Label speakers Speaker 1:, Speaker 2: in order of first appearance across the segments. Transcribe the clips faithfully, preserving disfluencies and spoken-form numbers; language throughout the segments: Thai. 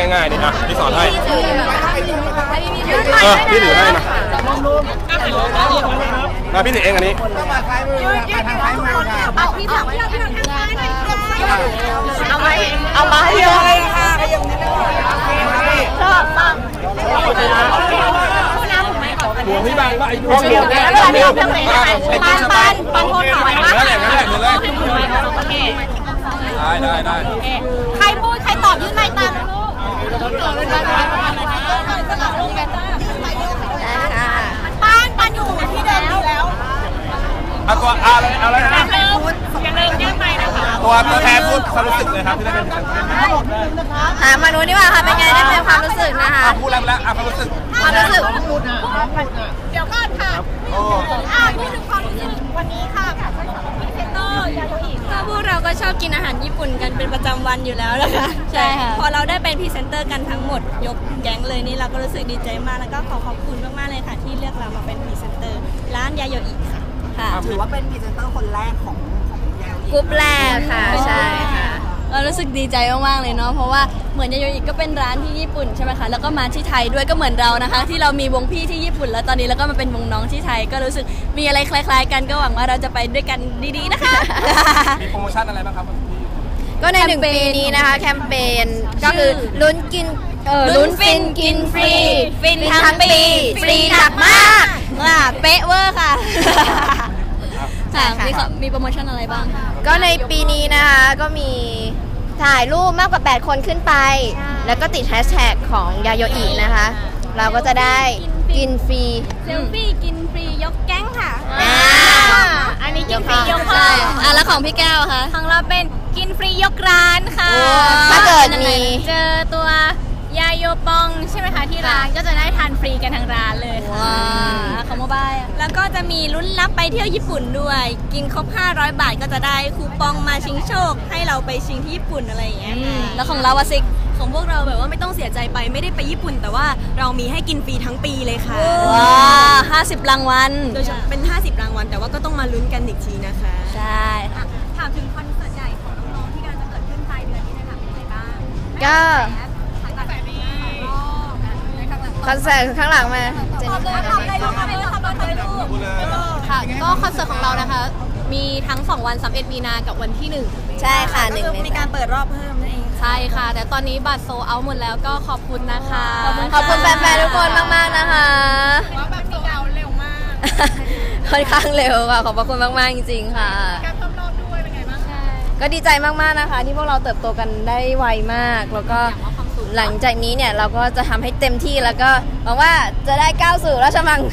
Speaker 1: ง่ายๆนี่นะพี่สอนให้เออพี่ถือให้มามาพี่ถือเองอันนี้
Speaker 2: เอาพี่ถังพี่ถังพี่ถังเอา
Speaker 3: มาเอามาให้เยอะเลยค่ะชอบมาก
Speaker 1: หัวพี่บางว่าไอ้หัว
Speaker 3: เดียวกันแล้วเดียวกันเลยปันปันปันโทษหน่อยนะ
Speaker 1: นั่นแหละนั่นแหละเหมือนเลยได้ได้ได้
Speaker 3: ใครพูดใครตอบยื่นไม้ตามปันปันอยู่ที่เดิมอยู่แล้ว
Speaker 1: เอาตัวอะไรอะไรนะ
Speaker 3: อย่าลืมยื่นไม้นะคะ
Speaker 1: ตัวตัวแทนพูดความรู้สึกเลยครับที่ได้เป็น
Speaker 2: หามาดูนี่ว่าค่ะเป็นไงได้เป็นความรู้สึกนะคะ
Speaker 1: พูดแล้วแล้วความรู้สึก
Speaker 2: ความรู้สึก
Speaker 3: เดี๋ยวก่อนค่ะอ่าพูดถึงความรู้สึกวันนี้ค่ะพรีเซนเตอร์ยาโยอิ
Speaker 2: ค่ะพวกเราก็ชอบกินอาหารญี่ปุ่นกันเป็นประจำวันอยู่แล้วนะคะใช่ค่ะพอเราได้เป็นพรีเซนเตอร์กันทั้งหมดยกแก๊งเลยนี่เราก็รู้สึกดีใจมากแล้วก็ขอขอบคุณมากๆเลยค่ะที่เลือกเรามาเป็นพรีเซนเตอร์ร้านยาโยอิค่ะ
Speaker 4: ค่ะถือว่าเป็นพรีเซนเตอร์คนแรกของ
Speaker 2: กรุ๊ปแรกค่ะใช่ค่ะเรารู้สึกดีใจมากๆเลยเนาะเพราะว่าเหมือนยาโยอิก็เป็นร้านที่ญี่ปุ่นใช่ไหมคะแล้วก็มาที่ไทยด้วยก็เหมือนเรานะคะที่เรามีวงพี่ที่ญี่ปุ่นแล้วตอนนี้แล้วก็มาเป็นวงน้องที่ไทยก็รู้สึกมีอะไรคล้ายๆกันก็หวังว่าเราจะไปด้วยกันดีๆนะคะ
Speaker 1: มีโปรโมชั่นอะไรบ้างครับ
Speaker 2: ก็ในหนึ่งปีนี้นะคะแคมเปญก็คือลุ้นกินลุ้นฟินกินฟรีฟินทั้งปีฟรีหนักมากอ่ะเป๊ะเวอร์ค่ะค่ะมีมีโปรโมชั่นอะไรบ้างก็ในปีนี้นะคะก็มีถ่ายรูปมากกว่าแปดคนขึ้นไปแล้วก็ติดแฮชแท็กของยาโยอินะคะเราก็จะได้กินฟรีเซลฟี่กินฟรียกแก๊งค่ะ
Speaker 3: อันนี้กินฟรียกพ่อ
Speaker 2: อ่ะแล้วของพี่แก้วคะ
Speaker 3: ของเราเป็นกินฟรียกร้านค่ะ
Speaker 2: ถ้าเกิดมี
Speaker 3: เจอตัวยาโยปองใช่ไหมคะที่ร้านก็จะได้ทานฟรีกันทั้งร้านเลยค่ะ
Speaker 2: ของโมบายแล้วก็จะมีลุ้นรับไปเที่ยวญี่ปุ่นด้วยกินครบห้าร้อยบาทก็จะได้คูปองมาชิงโชคให้เราไปชิงที่ญี่ปุ่นอะไรอย่างเงี้ยแล้วของเราอะซิกของพวกเราแบบว่าไม่ต้องเสียใจไปไม่ได้ไปญี่ปุ่นแต่ว่าเรามีให้กินฟรีทั้งปีเลยค่ะว้าห้าสิบรางวัลโดยเฉพาะเป็นห้าสิบรางวัลแต่ว่าก็ต้องมาลุ้นกันอีกทีนะคะใช่
Speaker 3: ถามถึงคอนเสิร์ตใหญ่ของน้องๆที่กำลังจะเกิดขึ้นปลายเดือนนี้นะคะเป็นไงบ้าง
Speaker 2: ก็คอนเสิร์ตข้างหลังมา
Speaker 3: ทำเลยทำเลยทำเลยทำเลยลูก
Speaker 2: ค่ะก็คอนเสิร์ตของเรานะคะมีทั้งสองวันสามสิบเอ็ดมีนากับวันที่หนึ่งใช่ค่ะหนึ่ง
Speaker 3: มีการเปิดรอบเพิ่มนั่นเอง
Speaker 2: ใช่ค่ะแต่ตอนนี้บัตรโซเอาหมดแล้วก็ขอบคุณนะคะขอบคุณแฟนๆทุกคนมากๆนะคะ
Speaker 3: ว่าแบบโซเอาเร็วมาก
Speaker 2: ค่อนข้างเร็วค่ะขอบพระคุณมากๆจริงๆค่ะ
Speaker 3: การเพิ่มรอบด้วยเป็นไงบ้าง
Speaker 2: ก็ดีใจมากๆนะคะที่พวกเราเติบโตกันได้ไวมากแล้วก็หลังจากนี้เนี่ยเราก็จะทำให้เต็มที่แล้วก็หวังว่าจะได้ก้าวสู่ราชมัง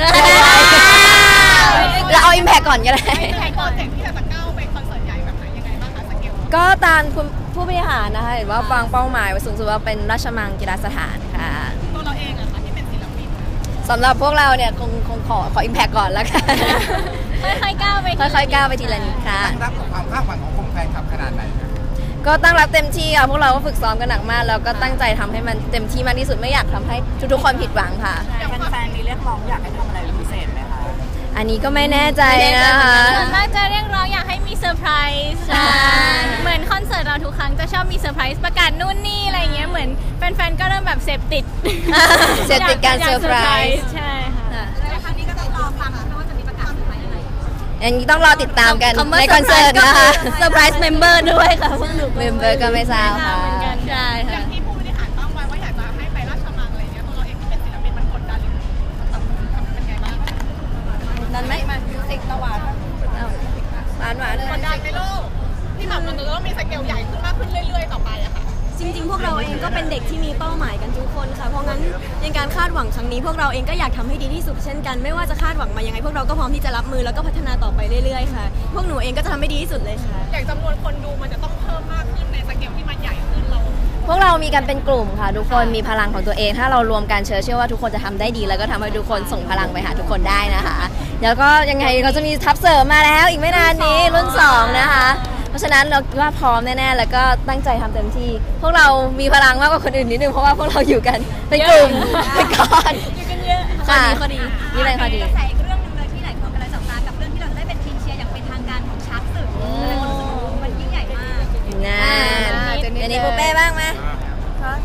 Speaker 2: เราเอาอิมแพคก่อนก็ได้
Speaker 3: โปรเจกต์ที่จะก้าวไปคอนเสิร์ตใหญ่แบบไหนยังไงบ้างคะสเกล
Speaker 2: ก็ตามคุณผู้บริหารนะคะเห็นว่าวางเป้าหมายไว้สูงสุดว่าเป็นราชมังกีฬาสถานค่ะ
Speaker 3: ตัวเราเองอะค่ะที่เป็นศิลปิน
Speaker 2: สำหรับพวกเราเนี่ยคงคงขอขออิมแพคก่อนแล้วกัน
Speaker 3: ค่อยๆก้าวไป
Speaker 2: ค่อยๆก้าวไปทีละนิดค่ะ
Speaker 1: ตั้งรับกับความคาดหวังของคนแฟนคลับขนาดไหน
Speaker 2: ก็ตั้งรับเต็มที่ค่ะพวกเราก็ฝึกซ้อมกันหนักมากแล้วก็ตั้งใจทำให้มันเต็มที่มากที่สุดไม่อยากทำให้ทุกๆคนผิดหวังค่ะ
Speaker 4: แฟนๆมีเรียกร้องอยากให้ทำอะไรพิเศษไหมคะ
Speaker 2: อันนี้ก็ไม่แน่ใจนะคะ
Speaker 3: น่าจะเรียกร้องอยากให้มีเซอร์ไพรส์เหมือนคอนเสิร์ตเราทุกครั้งจะชอบมีเซอร์ไพรส์ประกาศนู่นนี่อะไรเงี้ยเหมือนแฟนๆก็เริ่มแบบเสพติด
Speaker 2: เสพติดการเซอร์ไพรส์
Speaker 3: ใช่ค่ะแล้วครั้งนี้ก็ต้องรอฟังนะว่าจะมีประกาศอะไรยังไง
Speaker 2: อันนี้ต้องรอติดตามกันในคอนเสิร์ตนะคะเซอร์ไพรส์เมมเบอร์ด้วยค่ะพวกหนูเมมเบอร์ก็ไม่ทราบค่ะ
Speaker 3: ใช่ค่ะอย่างที่ผู้บริหารตั้งไว้ว่าอยากจะให้ไปราชมังอะไรเงี้ยตัวเราเองที่เป็นศิลปินมันกดดันหรือเป็นไงบ้าง
Speaker 2: ดันไหมมาสิกตะวันหวานหวาน
Speaker 3: กดดันไปลูกที่แบบมันจะต้องมีสเกลใหญ่ขึ้นมากขึ้นเรื่อยๆต่อไปอะค่ะ
Speaker 2: จริงๆพวกเราเองก็เป็นเด็กที่มีเป้าหมายกันทุกคนค่ะเพราะงั้นในการคาดหวังครั้งนี้พวกเราเองก็อยากทำให้ดีที่สุดเช่นกันไม่ว่าจะคาดหวังมายังไงพวกเราก็พร้อมที่จะรับมือแล้วก็พัฒนาต่อไปเรื่อยๆค่ะพวกหนูเองก็จะทำให้ดีที่สุดเลยค่ะ
Speaker 3: อย่างจำนวนคนดูมันจะต้องเพิ่มมากขึ้นในสเกลที่มันใหญ่ขึ้นเรา
Speaker 2: พวกเรามีกันเป็นกลุ่มค่ะทุกคนมีพลังของตัวเองถ้าเรารวมกันเชื่อเชื่อว่าทุกคนจะทำได้ดีแล้วก็ทำให้ทุกคนส่งพลังไปหาทุกคนได้นะคะแล้วก็ยังไงเราจะมีทัพเสริมมาแล้วอีกไม่นานนี้รุ่นสองนะคะเพราะฉะนั้นเราคิดว่าพร้อมแน่ๆแล้วก็ตั้งใจทำเต็มที่พวกเรามีพลังมากกว่าคนอื่นนิดนึงเพราะว่าพวกเราอยู่กันเป็นกลุ่มเป็นก้อน
Speaker 3: อยู่กันเยอะ
Speaker 2: ค่ะข้อดีนี่เลยข้อดี
Speaker 3: ใส่เรื่องนึงเลยที่หลายคนกำลังจับตากับเรื่องที่เราจะได้เป็นทีมเชียร์อย่างเป็นทางการของชาร์ตสึมันยิ่งใหญ่มาก
Speaker 2: งานอันนี้ปูเป้บ้างไหม
Speaker 4: ก็รู้สึก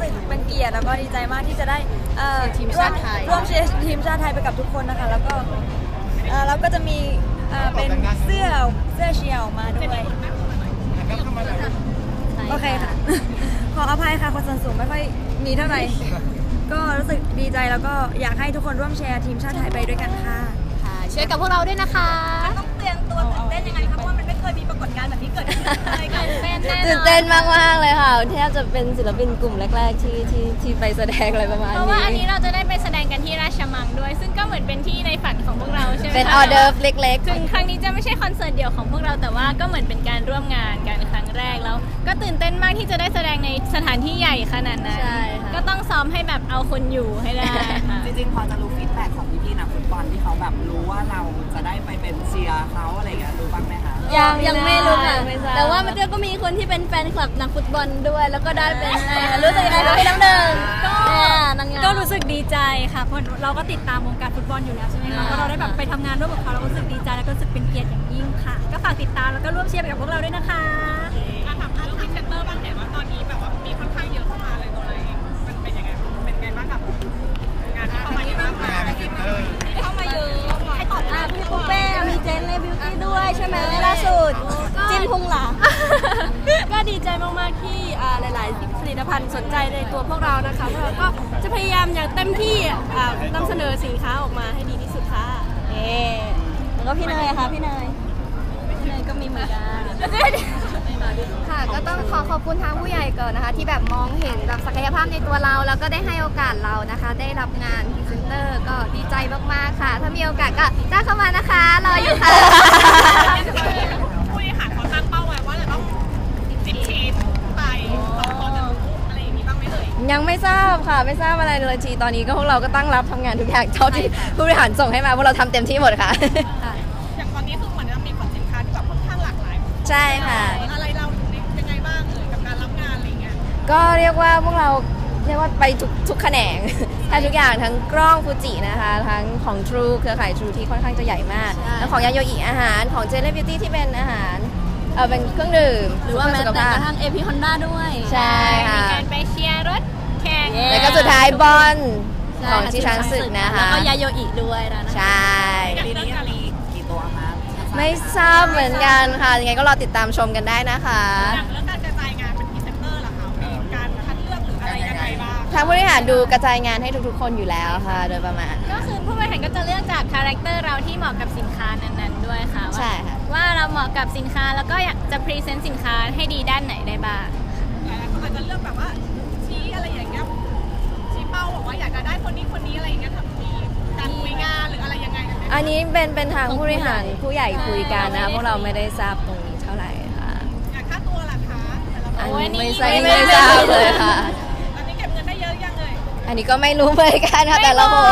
Speaker 2: สึกเป็นเกียรติแล้วก็ดีใจมากที่จะได้เอ่อ
Speaker 3: ทีมชาติไทย
Speaker 2: ร่วมเชียร์ทีมชาติไทยไปกับทุกคนนะคะแล้วก็เอ่อแล้วก็จะมีเอ่อเป็นเสื้อเสื้อเชียร์ออกมาด้วยโอเคค่ะ ขออภัยค่ะคนส่วนสูงไม่ค่อยมีเท่าไหร่ ก็รู้สึกดีใจแล้วก็อยากให้ทุกคนร่วมแชร์ทีมชาติไทยไปด้วยกันค่ะ
Speaker 3: ค่ะช่วยกับพวกเราด้วยนะคะ
Speaker 4: ต้องเตรียมตัวตื่นเต้นยังไงคะเพราะว่ามันไม่เคยมีปรากฏการณ์แบบนี้เกิดขึ้นเลยค่ะ
Speaker 3: ตื่นเต้นแน่นอน
Speaker 2: ตื่นเต้นมากมากๆเลยค่ะแทบจะเป็นศิลปินกลุ่มแรกๆที่ที่ที่ไปแสดงอะไรประมาณ
Speaker 3: เพ
Speaker 2: นี้
Speaker 3: ราะว่าอันนี้เราจะได้ไปแสดงกันที่ราชมังด้วย ซึ่งก็เหมือนเป็นที่ในฝันของพวกเราใช่ไหมคะ
Speaker 2: เป็นออเดิร์ฟเล็ก
Speaker 3: ถึงครั้งนี้จะไม่ใช่คอนเสิร์ตเดี่ยวของพวกเราแต่ว่าก็เหมือนเป็นการร่วมงานกันครั้งแรกแล้ว ก็ตื่นเต้นมากที่จะได้แสดงในสถานที่ใหญ่ขนาดนั้น
Speaker 2: ใช่ค่ะ
Speaker 3: ก็ต้องซ้อมให้แบบเอาคนอยู่ให้ได้ค่ะ
Speaker 4: จริงๆพอจะรู้ฟีดแบ็กของพี่ๆนักฟุตบอลที่เขาแบบรู้ว่าเราจะได้ไปเป็นเชียร์เขาอะไรอย่างเงี้ยรู้บ้างไหมคะ
Speaker 2: ยังยังไม่รู้ค่ะ
Speaker 3: ไม่ทราบ
Speaker 2: แต่ว่ามันก็มีคนที่เป็นแฟนคลับนักฟุตบอลด้วย แล้วก็ได้เป็นรู้สึกยังไงคะพี่น้ำหนึ่งก็
Speaker 5: ก็รู้สึกดีใจค่ะเพราะเราก็ติดตามวงการฟุตบอลอยู่แล้วใช่ไหมคะพอเราได้แบบไปทำงานร่วมกับเขาเราก็รู้สึกดีใจแล้วก็รู้สึกเป็นเกียรติอย่างยิ่งค่ะ ก็ฝากติดตามแล้วก็ร่วมเชียร์ไปกับพวกเราด้วยนะคะถามเรื่องพรีเซนเตอร์บ้างเห็นว่าตอนนี้แบบว่ามีค่อนข้างเยอะเข้ามาเลยตัวอะไรมันเป็นยังไงเป็นไงบ้างกับงานที่เข้ามาเยอะมาก
Speaker 1: งานพรีเซนเตอร์
Speaker 5: เข้ามาเยอะให้ตอบ
Speaker 2: อ่ะพี่ปุ๊เป้มีเจนเล่บิวตี้ด้วยใช่ไหมล่าสุดจินพุงหลา
Speaker 5: ก็ดีใจมากๆที่อ่าหลายๆผลิตภัณฑ์สนใจในตัวพวกเรานะคะพวกเราก็จะพยายามอย่างเต็มที่อ่านำเสนอสินค้าออกมาให้ดีที่สุดค่ะ
Speaker 2: เอ๊แล้วก็พี่เนยค่ะพี่เนยพี่เนยก็มีเหมือนกัน
Speaker 6: ค่ะก็ต้องขอขอบคุณทางผู้ใหญ่ก่อนนะคะ ที่แบบมองเห็นแบบศักยภาพในตัวเรา แล้วก็ได้ให้โอกาสเรานะคะ ได้รับงานพรีเซนเตอร์ก็ดีใจมากๆค่ะ ถ้ามีโอกาสก็จ้างเข้ามานะคะรออยู่ค่ะ
Speaker 5: ผู้บริหารเขาตั้งเป้าไว้ว่าจะต้องสิบทีมไปเราพอจะรู้อะไรอย่างนี้บ้างไหมเอ่ย
Speaker 2: ยังไม่ทราบค่ะไม่ทราบอะไรเลยทีตอนนี้ก็พวกเราก็ตั้งรับทำงานทุกอย่างเท่าที่ผู้บริหารส่งให้มาพวกเราทำเต็มที่หมดค่ะ
Speaker 5: อย่างตอนนี้คือเหมือนจะมีผลสินค้าที่แบบค่อนข้างหลากหลาย
Speaker 2: ใช่ค่ะ
Speaker 5: อะไรเรายังไงบ้างเอ่ยกับการรับงานอะไรอย่างเงี้ย
Speaker 2: ก็เรียกว่าพวกเราเรียกว่าไปทุกทุกแขนง แทบทุกอย่างทั้งกล้องฟูจินะคะทั้งของ True เครือข่าย True ที่ค่อนข้างจะใหญ่มาก แล้วของยาโยอิอาหารของ Jelly Beauty ที่เป็นอาหารเออเป็นเครื่องดื่ม
Speaker 5: หรือว่าแม้แต่กระทั่ง เอ พี Honda ด้วย
Speaker 2: ใช่ค่ะ
Speaker 3: มีการไปเชียร์รถแข่ง
Speaker 2: แล้วก็สุดท้ายบอลของที่ช้างศึกนะคะ
Speaker 5: แล้วก็ยาโยอิด้วยนะ
Speaker 2: ใช่
Speaker 4: ปีนี้ยังมีกี่ตัวคะ
Speaker 2: ไม่ทราบเหมือนกันค่ะยังไงก็รอติดตามชมกันได้นะคะ
Speaker 5: อย่างเรื่องการกระจายงานเป็นพรีเซนเตอร์ล่ะคะมีการคัดเลือกหรืออะไรยังไงบ้าง
Speaker 2: ทางบริหารดูกระจายงานให้ทุกๆ คนอยู่แล้วค่ะ โดยประมาณ
Speaker 3: ก็คือผู้บริหารก็จะเลือกจากคาแรคเตอร์เราที่เหมาะกับสินค้านั้นๆด้วยค่ะว่า
Speaker 2: ใช่ค่ะ
Speaker 3: ว่าเราเหมาะกับสินค้าแล้วก็อยากจะพรีเซนต์สินค้าให้ดีด้านไหนได้บ้าง
Speaker 5: หลายๆคนอาจจะเลือกแบบว่าชี้อะไรอย่างเงี้ยชี้เป้าบอกว่าอยากจะได้คนนี้คนนี้อะไรอย่างเงี้ยทำมีการคุยงานหรืออะไรยังไงกันไหม
Speaker 2: อันนี้เป็นเป็นทางผู้บริหารผู้ใหญ่คุยกันนะพวกเราไม่ได้ทราบตรงนี้เท่าไหร่ค่ะ
Speaker 5: อยากค่าตัวล่ะคะแต่ละค
Speaker 2: อัน
Speaker 5: น
Speaker 2: นี้ไม่ท
Speaker 3: โอ้
Speaker 2: ราบ
Speaker 3: ยนี่
Speaker 2: ไม่ทราบเลยค่ะ
Speaker 5: ตอนนี้เก็บเงินได้เยอะยังเลย
Speaker 2: อันนี้ก็ไม่รู้เหมือนกันค่ะแต่ละคน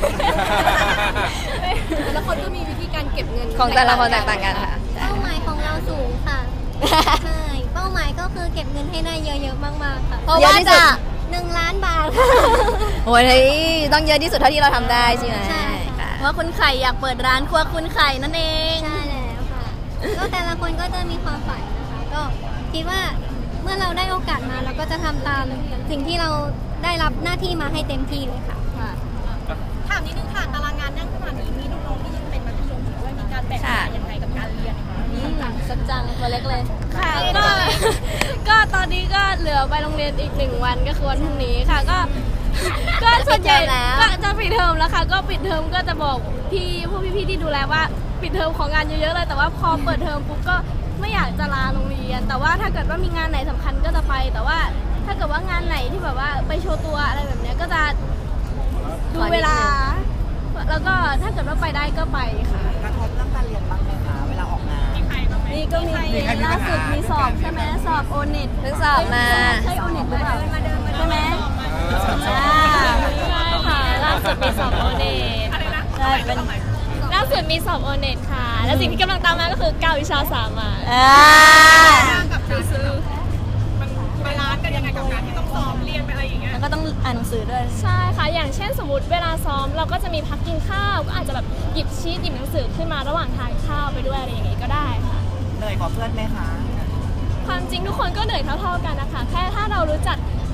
Speaker 5: แต่ละคนก็มีวิธีการเก็บเงิน
Speaker 2: ของแต่ละคนแตกต่างกันค่ะ
Speaker 6: เป้าหมายของเราสูงค่ะ ใช่ เป้าหมายก็คือเก็บเงินให้ได้เยอะๆมากๆค่ะ
Speaker 2: เพราะว่าจะ
Speaker 6: หนึ่งล้านบาท
Speaker 2: โอ้ยต้องเยอะที่สุดเท่าที่เราทำได้ใช่ไหม
Speaker 6: ใช่ค่ะ
Speaker 2: เพราะคุณไข่อยากเปิดร้านครัวคุณไข่นั่นเอง
Speaker 6: ใช่แล้วค่ะ ก็แต่ละคนก็จะมีความฝันนะคะ ก็คิดว่าเมื่อเราได้โอกาสมาเราก็จะทำตามสิ่งที่เราได้รับหน้าที่มาให้เต็มที่เลยค่ะ
Speaker 5: ถามนิดนึงค่ะตารางงานนั่งขนาดนี้มีน้องๆที่ยังเป็นมัธยมอยู่ด้วยมีการแบ่งเวลายังไงกับการเรียน
Speaker 2: สัจจังตัวเล็กเลย
Speaker 5: ค่ะก็ก็ตอนนี้ก็เหลือไปโรงเรียนอีกหนึ่งวันก็คือวันพรุ่งนี้ค่ะก็ก็ส่วนใหญ่
Speaker 2: จะปิดเทอมแล้ว
Speaker 5: ก็จะปิดเทอมแล้วค่ะก็ปิดเทอมก็จะบอกพี่พวกพี่ๆที่ดูแลว่าปิดเทอมของงานเยอะๆเลยแต่ว่าพอเปิดเทอมปุ๊บก็ไม่อยากจะลาโรงเรียน แต่ว่าถ้าเกิดว่ามีงานไหนสำคัญก็จะไป แต่ว่าถ้าเกิดว่างานไหนที่แบบว่าไปโชว์ตัวอะไรแบบเนี้ยก็จะดูเวลา แล้วก็ถ้าเกิดว่าไปได้ก็ไปค่ะ
Speaker 4: กระทบเรื่องการเรียนบ้างไหมคะเวลาออกงาน
Speaker 5: นี่ก็มีล่าสุดมีสอบใช่ไหมสอบโอเน็ต
Speaker 2: เพิ่งสอบมา
Speaker 5: ใช่โอเน็ตหรือเปล่าใช่ไหมอ่าใช่ค่ะล่าสุดมีสอบโอเน็ตใช่เป็นล่าสุดมีสอบโอเน็ตค่ะ แล้วสิ่งที่กำลังตามมาก็คือเก้าวิชาสามัญ
Speaker 2: อ่า
Speaker 5: กับซื้อมันบาลานซ์กันยังไงกับการที่ต้องซ้อมเรียนไปอะไรอย่างเงี้ย
Speaker 2: แล้วก็ต้องอ่านหนังสือด้วย
Speaker 5: ใช่ค่ะ อย่างเช่นสมมติเวลาซ้อมเราก็จะมีพักกินข้าวก็อาจจะแบบหยิบชีตหยิบหนังสือขึ้นมาระหว่างทานข้าวไปด้วยอะไรอย่างงี้ก็ได้ค่ะ
Speaker 4: เหนื่อยกว่าเพื่อนไหมคะ
Speaker 5: ความจริงทุกคนก็เหนื่อยเท่าๆกันนะคะ แค่ถ้าเรารู้จัก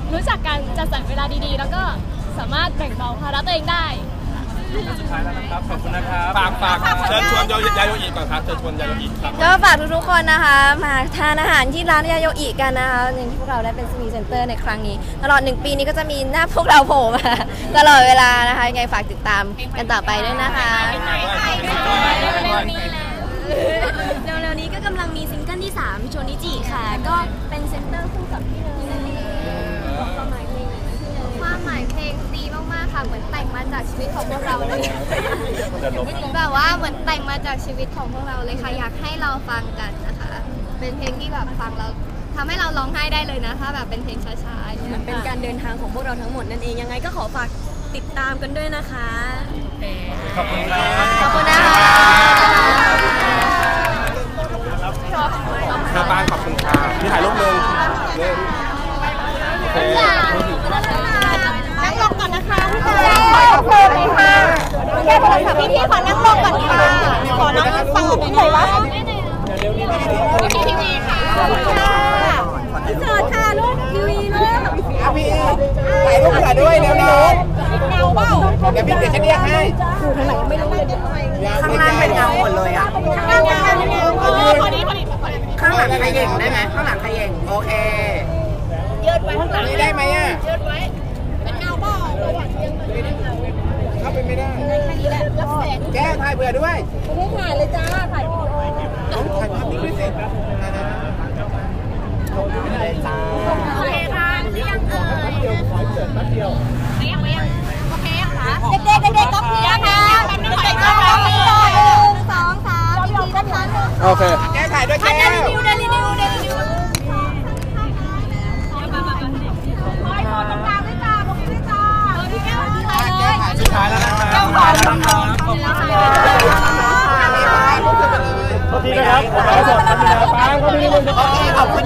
Speaker 5: รู้จักการจัดสรรเวลาดีๆ แล้วก็สามารถแบ่งเบาภาระตัวเองได้
Speaker 1: สุดท้ายแล้วนะครับขอบคุณนะครับฝากฝากเชิญชวนยาโยอิก่อนครับเชิญชวนยาโยอิครับ
Speaker 2: ก็ฝากทุกๆคนนะคะมาทานอาหารที่ร้านยาโยอิกันนะคะอย่างที่พวกเราได้เป็นซีนีเซ็นเตอร์ในครั้งนี้ตลอดหนึ่งปีนี้ก็จะมีหน้าพวกเราโผล่มาตลอดเวลานะคะยังไงฝากติดตามกันต่อไปด้วยนะคะ
Speaker 7: เร็วๆนี้ก็กำลังมีซิงเกิลที่สามโชนิจิค่ะก็เป็นเซนเตอร์คู่กับพี่เนยความหมายเพลง
Speaker 6: ความหมายเพลงดีมากๆค่ะเหมือนแต่งมาจากชีวิตของพวกเราเลยแบบว่าเหมือนแต่งมาจากชีวิตของพวกเราเลยค่ะอยากให้เราฟังกันนะคะเป็นเพลงที่แบบฟังแล้วทำให้เราร้องไห้ได้เลยนะถ้าแบบเป็นเพลงช้าๆ
Speaker 7: มันเป็นการเดินทางของพวกเราทั้งหมดนั่นเองยังไงก็ขอฝากติดตามกันด้วยนะคะ
Speaker 1: ขอบคุณครับ
Speaker 2: ขอบคุณนะคะ
Speaker 1: เธอบ้านขอบคุณค่ะนี่ถ่ายรูปหนึ่งโอเค
Speaker 6: นั่งลงก่อนนะคะพี่ชายขอบคุณเลยค่ะแค่โทรศัพท์พี่ๆขอนั่งลงก่อนค่ะขอนั่งฟังกันหน่อยวะทีวีค่ะขอบคุณค่ะเสิร์ชค่ะลูกทีวีลูก
Speaker 1: อ่ะพี่ถ่ายรูปถ่ายด้วยเร็วๆเงาเปล่าเดี๋ยวพี่เดี๋ยวฉันเรียกให้
Speaker 6: อยู่ทางไหนไม่รู้
Speaker 4: ข้างล่างเป็นเงาหมดเลยอ่ะ
Speaker 6: ข้างล่างเป็นเงาพอดีพอดี
Speaker 4: ข้างหลังใครเย่งได้ไหมข้างหลังใครเย่งโอเค
Speaker 6: ยืดไว้ข้างหลัง
Speaker 1: ได้ไหมอ่ะ
Speaker 6: ยืดไว้เป็นเงาเปล่า
Speaker 1: เข้าไปไม่ได้
Speaker 6: แค่นี้แหละรับแสง
Speaker 1: แก้ถ่ายเบื่อด้วย
Speaker 6: ไม่ได้ถ่ายเลยจ้าถ่ายวิดีโอ
Speaker 1: ต้องถ่ายภาพนี้ด้วยสิ
Speaker 6: โอเคค่ะเรียงเอ่ยเดียวขอเสร็จแป๊บเดียวเรียงเรียงโอเคค่ะเด็กๆเด็กๆต้องเรียงค่ะเด็กๆต้องเรียงหนึ่งสองสามสี่ด้านหลัง
Speaker 1: โอเคแก้ถ่ายด้วยแก้
Speaker 6: เดลินิวเดลินิวเดลินิวคอยโดนตรงกลางด้วยจ้าตรงนี้ด้วยจ้าพี่แก้วถ่ายเลย
Speaker 1: สุดท้ายแล้วนะครับสุดท้ายแล้วนะครับขอบคุณครับขอบคุณนะครับขอบคุณ